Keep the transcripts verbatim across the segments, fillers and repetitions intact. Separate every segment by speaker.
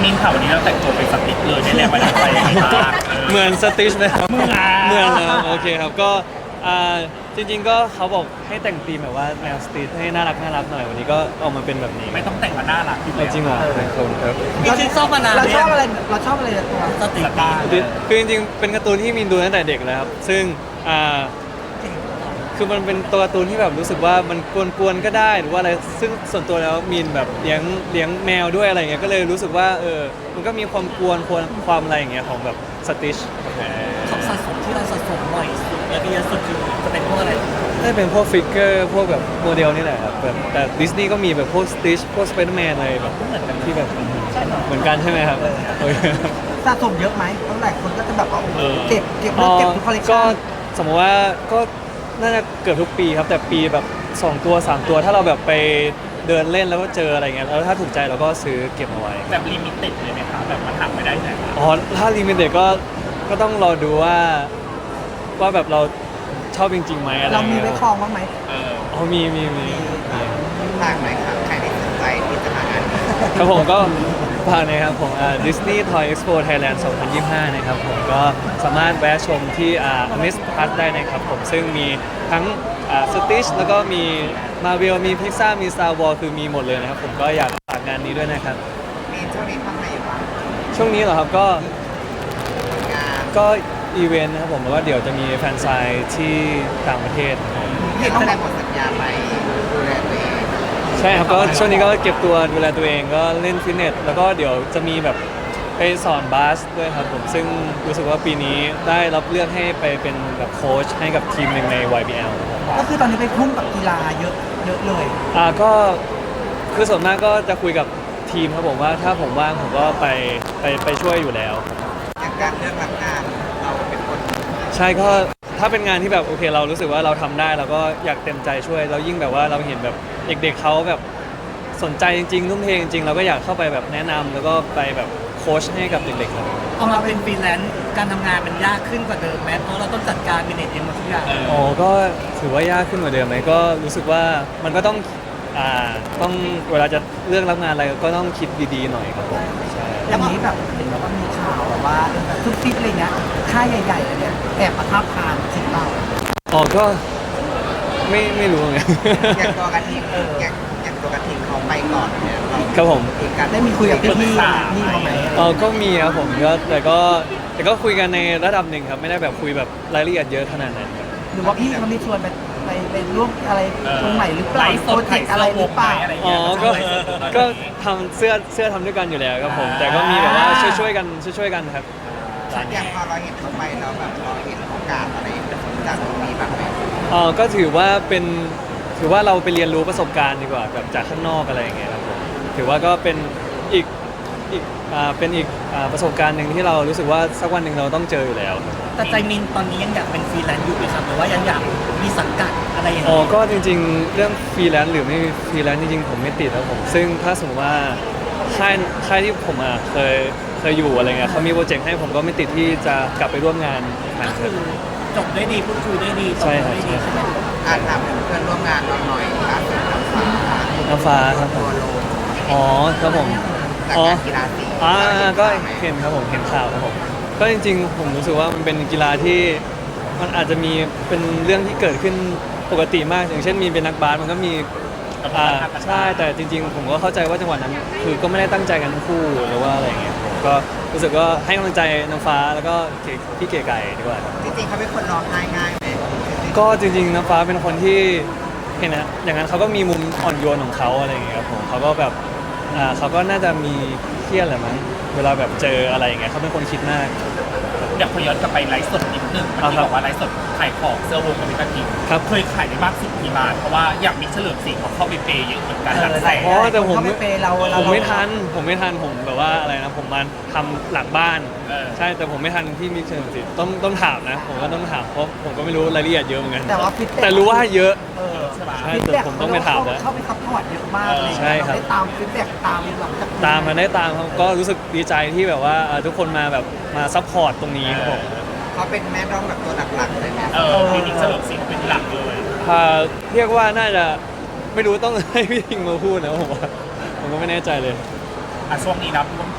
Speaker 1: มินค่ะวันนี้เราแต่งตัวเป็นสติ๊กเลยได้แรงบันดาลใจยังไงบ้าง
Speaker 2: เหมือนสติชไหมครับ
Speaker 1: เหมือน
Speaker 2: เหมือนครับโอเคครับก็อ่าจริงๆก็เขาบอกให้แต่งธีมแบบว่าแนวสตรีทให้น่ารักน่ารักหน่อยวันนี้ก็ออกมาเป็นแบบนี้
Speaker 1: ไม่ต้องแต่งมาน่ารักอยู่
Speaker 2: เอา
Speaker 1: แล้ว
Speaker 2: จริงเหรอขอบคุณครับ
Speaker 3: เราชอบมานาน
Speaker 4: เราชอบ
Speaker 3: เนี่ย
Speaker 4: อะไรเราชอบอะไรในตัว
Speaker 3: สติ
Speaker 1: สตาร์
Speaker 2: คือจริงๆเป็นการ์ตูนที่มีนดูตั้งแต่เด็กแล้วครับซึ่งอ่าคือมันเป็นตัวการ์ตูนที่แบบรู้สึกว่ามันกวนๆก็ได้หรือว่าอะไรซึ่งส่วนตัวแล้วมีนแบบเลี้ยงเลี้ยงแมวด้วยอะไรเงี้ยก็เลยรู้สึกว่าเออมันก็มีความกวนความความอะไรอย่างเงี้ยของแบบสติช
Speaker 3: ของสะสมที่เราสะสมบ่อยสุดและที่เยอะสุดคือจะเป็นพวกอะไร
Speaker 2: ได้เป็นพวกฟิกเกอร์พวกแบบโมเดลนี่แหละครับแบบแต่ดิสนีย์ก็มีแบบพวกสติชพวกสไปเดอร์แมนอะไรแบบเหมือนกันที่แบบเหมือนกันใช่ไหมครับโอเค
Speaker 4: สะสมเยอะไหมเพราะหลายคนก็จะแบบว่าโอ้โหเก็บเก็บ
Speaker 2: อ๋
Speaker 4: เลิ
Speaker 2: อก
Speaker 4: เก็บทุกคอลเลค
Speaker 2: ก็
Speaker 4: ชั่น
Speaker 2: สมมติว่าก็น่าจะเกือบทุกปีครับแต่ปีแบบสองตัวสามตัวถ้าเราแบบไปเดินเล่นแล้วก็เจออะไรเงี้ยแล้วถ้าถูกใจเราก็ซื้อเก็บเอาไว้
Speaker 1: แบบลิมิเต็ดเลยไหมคะแบบมันหักไม่ได้ไหน
Speaker 2: อ๋อถ้าลิมิเต็ดก็ก็ต้องรอดูว่าว่าแบบเราชอบจริงๆไหมอะไร
Speaker 4: เรามี
Speaker 2: เงี้ย
Speaker 4: ไว้คลองบ้างไหม
Speaker 1: เออ
Speaker 2: อ๋อมีมีมีมี
Speaker 4: ฝากหน่อยครับใครที่สนใจที่จะมางาน
Speaker 2: ครับผมก็ฝากนะครับผมอ่า Disney Toy Expo Thailand สองพันยี่สิบห้านะครับผมก็สามารถแวะชมที่อ่า Amazed Plus ได้นะครับผมซึ่งมีทั้งอ่า Stitch แล้วก็มี Marvel มี Pixar มี Star Wars คือมีหมดเลยนะครับผมก็อยากฝากงานนี้ด้วยนะครับ
Speaker 4: มีช่วงนี้ทำอะไรอยู่บ้าง
Speaker 2: ช่วงนี้เหรอครับก็
Speaker 4: งาน
Speaker 2: ก็อีเวนต์นะครับผมแล้วก็เดี๋ยวจะมีแฟนไซน์ที่ต่างประเทศครับผม
Speaker 4: เห็นแสดงหมดสัญญาไปดูแลตัวเอง
Speaker 2: ใช่ครับก็ช่วงนี้ก็เก็บตัวดูแลตัวเองก็เล่นฟิตเนสแล้วก็เดี๋ยวจะมีแบบไปสอนบาสด้วยครับผมซึ่งรู้สึกว่าปีนี้ได้รับเลือกให้ไปเป็นแบบโค้ชให้กับทีมหนึ่งใน วาย บี แอล
Speaker 4: ก็คือตอนนี้ไปพุ่งกับกีฬาเยอะเยอะเลย
Speaker 2: อ่าก็คือส่วนมากก็จะคุยกับทีมครับผมว่าถ้าผมว่างผมก็ไปไปไปช่วยอยู่แล้ว
Speaker 4: อย่างการเลือกรับงานเราเป็นคน
Speaker 2: ใช่ก็ถ้าเป็นงานที่แบบโอเคเรารู้สึกว่าเราทำได้เราก็อยากเต็มใจช่วยแล้วยิ่งแบบว่าเราเห็นแบบเด็กๆเขาแบบสนใจจริงๆทุ่มเทจริงๆเราก็อยากเข้าไปแบบแนะนำแล้วก็ไปแบบโค้ชให้กับเด็กๆครับ
Speaker 3: เอามาเป็นฟรีแลนซ์การทำงานมันยากขึ้นกว่าเดิมไหมเพราะเราต้องจัดการเป็นเองหมดทุกอย่าง
Speaker 1: เออ
Speaker 2: อ๋อก็ถือว่ายากขึ้นกว่าเดิมไหมก็รู้สึกว่ามันก็ต้องอ่าต้องเวลาจะเลือกรับงานอะไรก็ต้องคิดดีๆหน่อยครับผมใช่
Speaker 4: อย่างนี้แบบเห็นแบบว่ามีข่าวแบบว่าทุกทิศอะไรเงี้ยค่ายใหญ่ๆเลยเนี่ยแอบมาทับทานทิศเรา
Speaker 2: อ๋อก็ไม่ไม่รู้ไง
Speaker 4: อย่างตัวกระทิงเอออย่างอย่างตัวกระทิงเขาไปก่อนเนี่ยเรา
Speaker 2: ครับผม
Speaker 4: เองกันได้มีคุยกับพี่พี่พี่เขาไหม
Speaker 2: เออก็มีครับผมก็แต่ก็แต่ก็คุยกันในระดับหนึ่งครับไม่ได้แบบคุยแบบรายละเอียดเยอะขนาดนั้นครับ
Speaker 4: หรือว่าพี่เขาไม่ชวนไปไปไปร่วมอะไรตรงไหนหรือเป
Speaker 1: ไล
Speaker 4: ล่า
Speaker 1: ฟ์ส
Speaker 4: โปร
Speaker 1: ด
Speaker 4: เจกต์อะไรหรือเปล่า
Speaker 1: อะไร
Speaker 2: อ๋
Speaker 1: เงี้
Speaker 2: อย ก็ก็ทำเสื้อเสื้อทำด้วยกันอยู่แล้วครับผม แต่ก็มีแบบว่าช่วยช่วยๆกันช่วยช่วยๆกันครับ
Speaker 4: อย่างพอเราเห็นเขาไปแล้วแบบเราเห็นโอกาสอะไรจากตรงนี้บ้างไหม
Speaker 2: เออก็ถือว่าเป็นถือว่าเราไปเรียนรู้ประสบการณ์ดีกว่าแบบจากข้างนอกอะไรอย่างเงี้ยครับผมถือว่าก็เป็นอีกอีกอ่าเป็นอีกอ่าประสบการณ์หนึ่งที่เรารู้สึกว่าสักวันหนึ่งเราต้องเจออยู่แล้วครับ
Speaker 3: แต่ใจมินตอนนี้ยังอยากเป็นฟรีแลนซ์อยู่ไหมครับหรือว่ายังอยากมีสังกัดอะไรอย่าง
Speaker 2: อ๋อ
Speaker 3: เงี้ย
Speaker 2: ก็จริงๆ เรื่องฟรีแลนซ์หรือไม่ฟรีแลนซ์จริงๆ ผมไม่ติดครับผม ซึ่งถ้าสมมติว่าค่ายค่ายที่ผมอ่ะเคยเคยอยู่อะไรเงี้ยเขามีโปรเจกต์ให้ผมก็ไม่ติดที่จะกลับไปร่วมงานอีกครั้
Speaker 3: ก็
Speaker 2: งค
Speaker 3: คื
Speaker 2: รับ
Speaker 3: อจบได้ดีพูดคุยได้ดีตก
Speaker 2: ใช่
Speaker 3: ลง
Speaker 2: ครับ
Speaker 3: ได้ดี
Speaker 2: ใช่
Speaker 3: ใช่ไหม
Speaker 4: อาจทำเพื่อนร่วมงานเราหน่อยล่าสุดน้ำฟ้า
Speaker 2: น้ำฟ้าครับผม
Speaker 4: โล
Speaker 2: อ๋อครับผม
Speaker 4: จาก
Speaker 2: อ๋อ
Speaker 4: การกีฬาสี
Speaker 2: อ่าก็เห็นครับผมเห็นข่าวครับผมก็จริงๆ ผมรู้สึกว่ามันเป็นกีฬาที่มันอาจจะมีเป็นเรื่องที่เกิดขึ้นปกติมาก อย่างเช่นมีเป็นนักบาสมันก็มีอ่าใช่แต่จริง ๆ ผมก็เข้าใจว่าจังหวะนั้น คือก็ไม่ได้ตั้งใจกันทั้งคู่หรือว่าอะไรอย่างเงี้ยผมก็รู้สึกว่าให้กำลังใจน้ำฟ้าแล้วก็เก๋พี่เก๋ไก่ดีกว่าครับ
Speaker 4: จริงๆเขาเป็นคนร้องไห้ง่ายไหม
Speaker 2: ก็จริงๆน้ำฟ้าเป็นคนที่เห็นนะอย่างนั้นเขาก็มีมุมอ่อนโยนของเขาอะไรอย่างเงี้ยครับผมเขาก็แบบอ่าเขาก็น่าจะมีเครียดแหละมั้งเวลาแบบเจออะไรอย่างเงี้ยเขาเป็นคนคิดมาก
Speaker 1: เดี๋ยวขอย้อนกลับไปไลฟ์สดนิดนึงเมื่อ
Speaker 2: อ่า
Speaker 1: กี้
Speaker 2: ครับ
Speaker 1: บอกว่าไลฟ์สดขายของเสื้อวงกับมิตรที
Speaker 2: ครับ
Speaker 1: เคยขายได้มากสุดกี่บาทเพราะว่าอย่างมิกเฉลิมศรีเขาเข้าไปเปย์เยอะเหมือนกันหลักแสน
Speaker 2: อ๋อแต่ผม
Speaker 4: เขาไม่เปย์เราเรา
Speaker 2: ผมไม่ทันผมไม่ทันผมแบบว่าอะไรนะผมมาทำหลังบ้าน
Speaker 1: เออ
Speaker 2: ใช่แต่ผมไม่ทันที่มิกเชลสิต้องต้องถามนะ ผมก็ต้องถามเพราะผมก็ไม่รู้รายละเอียดเยอะเหมือนกัน
Speaker 4: แต่ว่าฟิต
Speaker 2: แต่รู้ว่าเยอะ
Speaker 4: เออ
Speaker 1: ใช่ปะ
Speaker 2: ใช่แต่ผมต้องไปถามแล้ว
Speaker 4: เข้าไปซัพพอร์ตเยอะมากเลย
Speaker 2: ใช่ครับ
Speaker 4: เาได้ตามฟีดแบ็กตามหลังจาก
Speaker 2: ตามมาได้ตามครับก็รู้สึกดีใจที่แบบว่าเอ่อทุกคนมาแบบมาซัพพอร์ตตรงนี้ครับผม
Speaker 4: เขาเป็นแม่ร้องแบบตัวหลักๆเลยไหม
Speaker 1: เออพี่มิกเฉลิมศรีเป็นหลักเลย
Speaker 2: อ่าเรียกว่าน่าจะไม่รู้ต้องให้พี่ทิงมาพูดนะผมว่าผมก็ไม่แน่ใจเลย
Speaker 1: อ่ะช่วงนี้นะ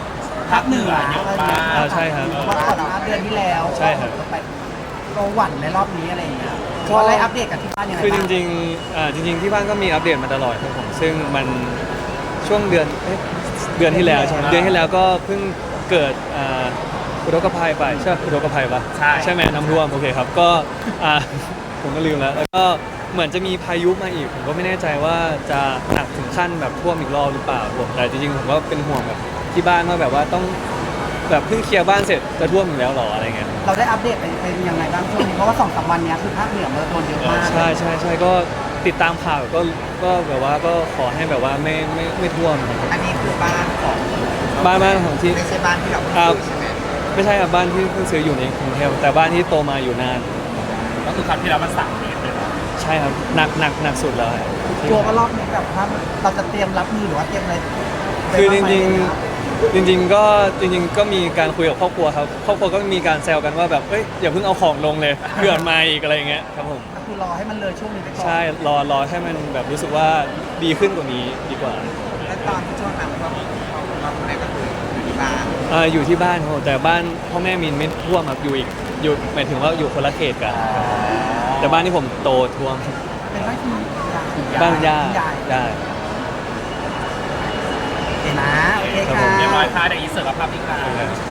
Speaker 1: ภาคเหนือเยอะมาก
Speaker 2: อ่าใช่ครับ
Speaker 4: ว่าก่อนหน้าเดือนที่แล้ว
Speaker 2: ใช่ครับ
Speaker 4: ไปโรหวั่นในรอบนี้อะไรอย่างเงี้ยก็อะไรอัปเดตกับที่บ้านยังไง
Speaker 2: คือจ
Speaker 4: บ้าง
Speaker 2: ริงๆอ่าจริงๆที่บ้านก็มีอัปเดตมาตลอดครับผมซึ่งมันช่วงเดือนเอ๊ะเดือนที่แล้วใช่ไหมเดือนที่แล้วก็เพิ่งเกิดอ่าอุทกภัยไปใช่ปะอุทกภัยปะ
Speaker 1: ใช่
Speaker 2: ใช่ไหมน้ำท่วมโอเคครับก็อ่า ผมก็ลืมแล้วแล้วก็เหมือนจะมีพายุมาอีกผมก็ไม่แน่ใจว่าจะหนักถึงขั้นแบบท่วมอีกรอบหรือเปล่าผมแต่จริงๆผมก็เป็นห่วงแบบที่บ้านว่าแบบว่าต้องแบบเพิ่งเคลียร์บ้านเสร็จจะท่วมอีกแล้วหรออะไรเงี้ย
Speaker 4: เราได้อัปเดตเป็นเป็นยังไงบ้างช่วงนี้เพราะว่าสองสามวันเนี้ยคือภาคเหนือมันโดนเยอะมาก
Speaker 2: ใช่ใช่ใช่ก็ติดตามข่าวก็ก็แบบว่าก็ขอให้แบบว่าไม่ไม่ไม่ท่วมครับ
Speaker 5: อันนี้คือบ้านของ
Speaker 2: บ้านบ้านของที่
Speaker 5: ไม่ใช่บ้านที่เรา
Speaker 2: ครับ
Speaker 5: ซื้อใช่ไหม
Speaker 2: ไม่ใช่ครับบ้านที่เพิ่งซื้ออยู่ในกรุงเทพแต่บ้านที่โตมาอยู่นาน
Speaker 1: ก็คือครั้งที่แล้วมันสามเมตรเลยเนาะ
Speaker 2: ใช่ครับหนักหนักหนักสุดแล้วครับ
Speaker 4: กลัวว่ารอบนี้แบบว่าเราจะเตรียมรับมือหรือว่าเตรียมอะไร
Speaker 2: คือจ
Speaker 4: ไป
Speaker 2: ริง
Speaker 4: บ้าไหม
Speaker 2: ๆจริง ๆ ก็จริง ๆ ก็มีการคุยกับครอบครัวครับครอบครัวก็มีการแซวกันว่าแบบเอ้ยอย่าเพิ่งเอาของลงเลยเผื่อมาอีกอะไรอย่างเงี้ยครับผม
Speaker 4: ก็คือรอให้มันเลยช่วงนี้ไปก่อน
Speaker 2: ใช่รอรอให้มันแบบรู้สึกว่าดีขึ้นกว่านี้ดีกว่า
Speaker 5: และตอนที่ช่วงนั้นก็เราคนไหนก็คืออยู่ที่บ้าน
Speaker 2: เอ่ออยู่ที่บ้านครับผมแต่บ้านพ่อแม่มินไม่ท่วมครับอยู่อีกอยู่หมายถึงว่าอยู่คนละเขตกันแต่บ้านที่ผมโตท่วม
Speaker 4: เป็นบ้านคุณยาย
Speaker 2: บ้านย่า
Speaker 4: คุณยาย
Speaker 2: ย่า
Speaker 4: โอเคนะโอเค
Speaker 2: ครับผ
Speaker 4: ค่ะ
Speaker 2: ม
Speaker 1: เรียบร้อยค่ะเดี๋ยวอีเสิร์ฟกับภาพอีกครั้ง